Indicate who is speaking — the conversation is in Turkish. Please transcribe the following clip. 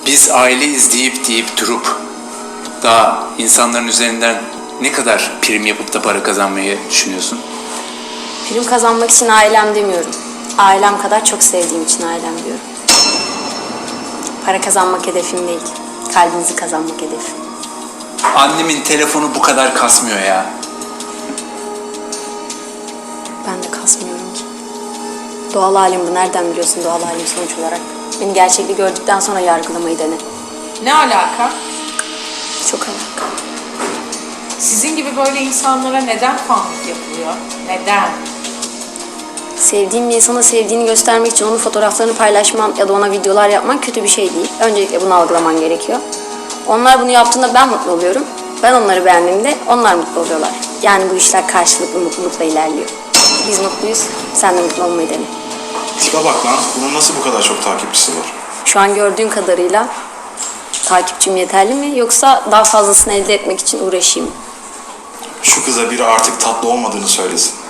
Speaker 1: Biz aileyiz deyip durup daha insanların üzerinden ne kadar prim yapıp da para kazanmayı düşünüyorsun?
Speaker 2: Prim kazanmak için ailem demiyorum. Ailem kadar çok sevdiğim için ailem diyorum. Para kazanmak hedefim değil. Kalbinizi kazanmak hedefim.
Speaker 1: Annemin telefonu bu kadar kasmıyor ya.
Speaker 2: Ben de kasmıyorum ki. Doğal halim bu. Nereden biliyorsun doğal halim sonuç olarak? Beni gerçekliği gördükten sonra yargılamayı dene.
Speaker 3: Ne alaka?
Speaker 2: Çok alaka.
Speaker 3: Sizin gibi böyle insanlara neden fanlık yapılıyor? Neden?
Speaker 2: Sevdiğin bir insana sevdiğini göstermek için onun fotoğraflarını paylaşman ya da ona videolar yapman kötü bir şey değil. Öncelikle bunu algılaman gerekiyor. Onlar bunu yaptığında ben mutlu oluyorum. Ben onları beğendiğimde onlar mutlu oluyorlar. Yani bu işler karşılıklı mutlulukla ilerliyor. Biz mutluyuz, sen de mutlu olmayı dene.
Speaker 4: Tipe bak lan, bunun nasıl bu kadar çok takipçisi var?
Speaker 2: Şu an gördüğün kadarıyla takipçim yeterli mi yoksa daha fazlasını elde etmek için uğraşayım mı?
Speaker 4: Şu kıza biri artık tatlı olmadığını söylesin.